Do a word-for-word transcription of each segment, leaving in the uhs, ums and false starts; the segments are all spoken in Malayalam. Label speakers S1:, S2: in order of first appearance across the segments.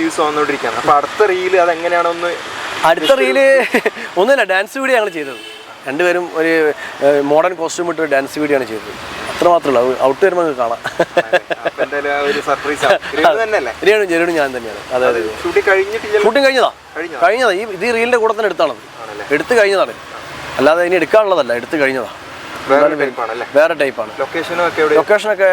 S1: വ്യൂസ് വന്നുകൊണ്ടിരിക്കുകയാണ്. അപ്പോൾ അടുത്ത റീല് അതെങ്ങനെയാണൊന്ന്?
S2: അടുത്ത റീല് ഒന്നുമില്ല, ഡാൻസ് വീഡിയോ ഞങ്ങൾ ചെയ്തത്. രണ്ടുപേരും ഒരു മോഡേൺ കോസ്റ്റ്യൂം ഇട്ട് ഡാൻസ് വീഡിയോ ആണ് ചെയ്തത്. അത്ര മാത്രമല്ല, ഔട്ട് വരുമ്പോൾ കാണാം. ജെരുണ് ഞാൻ തന്നെയാണ്. അതായത് ഷൂട്ടിംഗ് കഴിഞ്ഞതാ കഴിഞ്ഞതാ ഈ ഇത് റീലിന്റെ കൂടെ തന്നെ എടുത്താണത്. എടുത്തു കഴിഞ്ഞതാണ്, അല്ലാതെ ഇനി എടുക്കാനുള്ളതല്ല, എടുത്തു കഴിഞ്ഞതാ. വേറെ ടൈപ്പാണ്. ലൊക്കേഷനൊക്കെ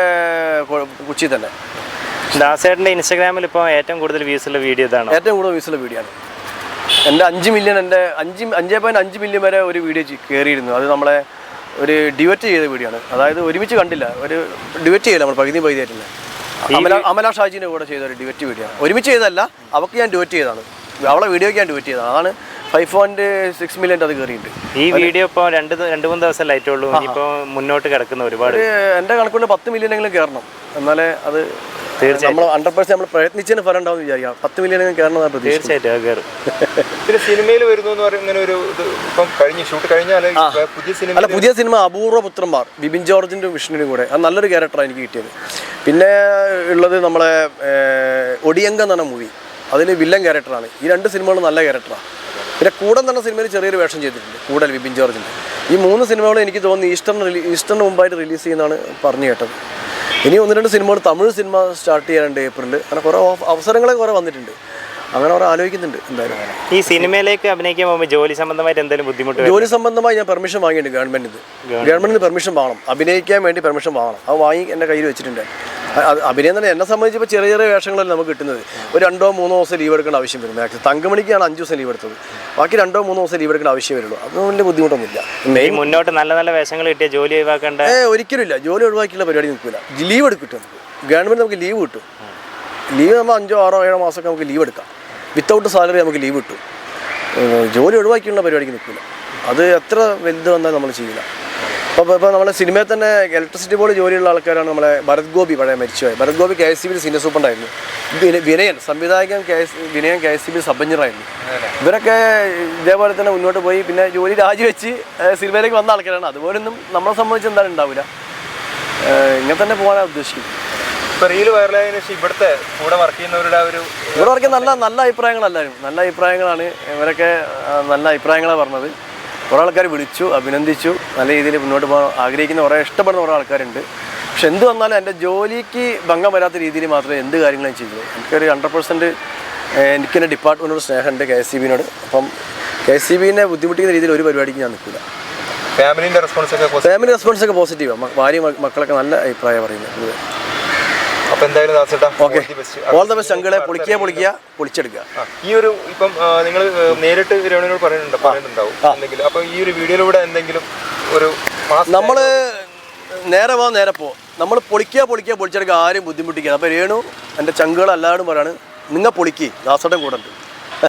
S2: കൊച്ചി തന്നെ.
S3: ദാസേട്ടൻ്റെ ഇൻസ്റ്റാഗ്രാമിൽ ഇപ്പോൾ ഏറ്റവും കൂടുതൽ വ്യൂസുള്ള വീഡിയോ ഇതാണ്.
S2: ഏറ്റവും കൂടുതൽ വ്യൂസുള്ള വീഡിയോ ആണ്. എൻ്റെ അഞ്ച് മില്യൺ എൻ്റെ അഞ്ച് അഞ്ചേ പോയിന്റ് അഞ്ച് മില്യൺ വരെ ഒരു വീഡിയോ കയറിയിരുന്നു. അത് നമ്മളെ ഒരു ഡിവറ്റ് ചെയ്ത വീഡിയോ ആണ്. അതായത് ഒരുമിച്ച് കണ്ടില്ല, ഒരു ഡിവറ്റ് ചെയ്യില്ല, നമ്മൾ പകുതി പകുതിയായിട്ടില്ല. അമല അമല ഷാജിൻ്റെ കൂടെ ചെയ്ത ഒരു ഡിവറ്റ് വീഡിയോ ആണ്. ഒരുമിച്ച് ചെയ്തതല്ല, അവർക്ക് ഞാൻ ഡിവറ്റ് ചെയ്തതാണ്, അവളെ വീഡിയോയ്ക്ക് ഞാൻ ഡിവറ്റ് ചെയ്തതാണ്. അതാണ് ഫൈവ് പോയിന്റ് സിക്സ് മില്യൺ അത് കയറിയിട്ടുണ്ട്.
S3: ഈ വീഡിയോ ഇപ്പോൾ രണ്ട് രണ്ട് മൂന്ന് ദിവസം ലൈറ്റുള്ളൂ, ഇപ്പോൾ മുന്നോട്ട് കിടക്കുന്ന ഒരുപാട്.
S2: എൻ്റെ കണക്കുകൊണ്ട് പത്ത് മില്യണെങ്കിലും കയറണം, എന്നാലേ അത് തീർച്ചയായും നമ്മൾ ഹൺഡ്രഡ് പെർസെന്റ് നമ്മൾ പ്രയത്നിച്ചതിന് ഫലം ഉണ്ടാവും വിചാരിക്കാം. പത്ത് മില്യണെങ്കിലും കയറണം
S3: തീർച്ചയായിട്ടും കയറും.
S1: പിന്നെ സിനിമയിൽ വരുന്നു എന്ന് പറയുന്ന ഇങ്ങനെ ഒരു ഇപ്പം കഴിഞ്ഞ് ഷൂട്ട് കഴിഞ്ഞാൽ പുതിയ സിനിമ
S2: അല്ല പുതിയ സിനിമ അപൂർവ പുത്രന്മാർ, ബിബിൻ ജോർജിൻ്റെ വിഷ്ണുവിനും കൂടെ. അത് നല്ലൊരു ക്യാരക്ടറാണ് എനിക്ക് കിട്ടിയത്. പിന്നെ ഉള്ളത് നമ്മളെ ഒടിയങ്ക എന്ന് പറഞ്ഞ മൂവി, അതിൽ വില്ലൻ ക്യാരക്ടറാണ്. ഈ രണ്ട് സിനിമകളും നല്ല ക്യാരക്ടറാണ്. പിന്നെ കൂടൻ തന്നെ സിനിമയിൽ ചെറിയൊരു വേഷം ചെയ്തിട്ടുണ്ട്, കൂടൽ ബിബിൻ ജോർജിൻ്റെ. ഈ മൂന്ന് സിനിമകളും എനിക്ക് തോന്നുന്നു ഈസ്റ്ററിന് റിലീ ഈസ്റ്ററിന് മുമ്പായിട്ട് റിലീസ് ചെയ്യുന്നതാണ് പറഞ്ഞു കേട്ടത്. ഇനി ഒന്ന് രണ്ട് സിനിമകൾ തമിഴ് സിനിമ സ്റ്റാർട്ട് ചെയ്യാനുണ്ട് ഏപ്രിലിൽ. അങ്ങനെ കുറേ അവസരങ്ങളെ കുറേ വന്നിട്ടുണ്ട്, അങ്ങനെ കുറേ ആലോചിക്കുന്നുണ്ട്. എന്തായാലും
S3: ഈ സിനിമയിലേക്ക് അഭിനയിക്കാൻ പോകുമ്പോൾ ജോലി സംബന്ധമായിട്ട് എന്തെങ്കിലും ബുദ്ധിമുട്ട്?
S2: ജോലി സംബന്ധമായി ഞാൻ പെർമിഷൻ വാങ്ങിയിട്ടുണ്ട് ഗവൺമെൻറ്റിന്. ഗവൺമെൻറ്റിന് പെർമിഷൻ വാങ്ങണം, അഭിനയിക്കാൻ വേണ്ടി പെർമിഷൻ വാങ്ങണം. അത് വാങ്ങി എൻ്റെ കയ്യിൽ വെച്ചിട്ടുണ്ട്. അഭിനയം തന്നെ എന്നെ സംബന്ധിച്ചപ്പോൾ ചെറിയ ചെറിയ വേഷങ്ങളല്ല നമുക്ക് കിട്ടുന്നത്. ഒരു രണ്ടോ മൂന്നോ ദിവസം ലീവ് എടുക്കേണ്ട ആവശ്യം വരും. മാക്സിമം തങ്കമണിക്കാണ് അഞ്ച് ദിവസം ലീവ് എടുത്തത്, ബാക്കി രണ്ടോ മൂന്നോ ദിവസം ലീവ് എടുക്കേണ്ട ആവശ്യം വരുള്ളൂ. അതൊന്നും വലിയ ബുദ്ധിമുട്ടൊന്നുമില്ല.
S3: മെയിൻ മുന്നോട്ട് നല്ല നല്ല വേഷങ്ങൾ കിട്ടിയ ജോലി ഒഴിവാക്കേണ്ട
S2: ഏ ഒരിക്കലും ഇല്ല. ജോലി ഒഴിവാക്കിയുള്ള പരിപാടി നിൽക്കില്ല. ലീവ് എടുക്കും നമുക്ക്, ഗവൺമെൻറ് നമുക്ക് ലീവ് കിട്ടും. ലീവ് നമ്മൾ അഞ്ചോ ആറോ ഏഴോ മാസമൊക്കെ നമുക്ക് ലീവ് എടുക്കാം. വിത്തൗട്ട് സാലറി നമുക്ക് ലീവ് കിട്ടും. ജോലി ഒഴിവാക്കിയുള്ള പരിപാടിക്ക് നിൽക്കില്ല. അത് എത്ര വലുത് വന്നാൽ നമ്മൾ ചെയ്യില്ല. അപ്പോൾ ഇപ്പോൾ നമ്മളെ സിനിമയിൽ തന്നെ ഇലക്ട്രിസിറ്റി ബോർഡ് ജോലിയുള്ള ആൾക്കാരാണ്. നമ്മളെ ഭരത് ഗോപി, പഴയ മരിച്ചുപോയി Bharat Gopi K S C ബിയിൽ സീനിയർ സൂപ്രണ്ടായിരുന്നു. വിനയൻ സംവിധായകൻ K S Vinayan K S C ബിയിൽ സബ് എഞ്ചിനീയറായിരുന്നു. ഇവരൊക്കെ ഇതേപോലെ തന്നെ മുന്നോട്ട് പോയി പിന്നെ ജോലി രാജിവെച്ച് സിനിമയിലേക്ക് വന്ന ആൾക്കാരാണ്. അതുപോലൊന്നും നമ്മളെ സംബന്ധിച്ച് എന്തായാലും ഉണ്ടാവില്ല. ഇങ്ങനെ തന്നെ പോകാനാണ് ഉദ്ദേശിക്കുന്നത്.
S1: ഇവിടുത്തെ കൂടെ വർക്ക് ചെയ്യുന്നവരുടെ ഒരു
S2: ഇവിടെ വർക്ക് നല്ല നല്ല അഭിപ്രായങ്ങളെല്ലാവരും നല്ല അഭിപ്രായങ്ങളാണ്. ഇവരൊക്കെ നല്ല അഭിപ്രായങ്ങളാണ് പറഞ്ഞത്. കുറേ ആൾക്കാർ വിളിച്ചു, അഭിനന്ദിച്ചു. നല്ല രീതിയിൽ മുന്നോട്ട് പോകാൻ ആഗ്രഹിക്കുന്ന കുറേ ഇഷ്ടപ്പെടുന്ന കുറേ ആൾക്കാരുണ്ട്. പക്ഷെ എന്ത് വന്നാലും എൻ്റെ ജോലിക്ക് ഭംഗം വരാത്ത രീതിയിൽ മാത്രമേ എന്ത് കാര്യങ്ങളും ചെയ്യുള്ളൂ. എനിക്കൊരു ഹൺഡ്രഡ് പെർസെൻറ്റ് എനിക്കെൻ്റെ ഡിപ്പാർട്ട്മെൻറ്റോട് സ്നേഹമുണ്ട്, കെ എസ് സി ബിനോട്. അപ്പം കെ എസ് സി ബിനെ ബുദ്ധിമുട്ടിക്കുന്ന രീതിയിൽ ഒരു പരിപാടിക്ക് ഞാൻ നിൽക്കില്ല.
S1: ഫാമിലിൻ്റെ റെസ്പോൺസ് ഒക്കെ
S2: ഫാമിലി റെസ്പോൺസ് ഒക്കെ പോസിറ്റീവാണ്. ഭാര്യ മക്കളൊക്കെ നല്ല അഭിപ്രായം പറയുന്നത്.
S1: അപ്പോൾ എന്തായാലും
S2: ഓക്കെ, ഓൾ ദ ബെസ്റ്റ് അങ്കിളെ. പൊളിക്കുക പൊളിക്കുക പൊളിച്ചെടുക്കുക.
S1: ഈ ഒരു ഇപ്പം നിങ്ങൾ നേരിട്ട് രമണിയോട് പറയുന്നുണ്ട് പറയുന്നുണ്ടാവും എന്തെങ്കിലും. അപ്പോൾ ഈ ഒരു വീഡിയോയിലൂടെ എന്തെങ്കിലും ഒരു
S2: നമ്മൾ നേരെ പോ നേരെ പോ നമ്മൾ പൊളിക്കുക പൊളിക്കുക പൊളിച്ചെടുക്കുക, ആരും ബുദ്ധിമുട്ടിക്കുക. അപ്പോൾ രേണു എൻ്റെ ചങ്കുകൾ എല്ലാവരും പറയാണ്, നിങ്ങൾ പൊളിക്കുക, ദാസേട്ടൻ കൂടെ ഉണ്ട്.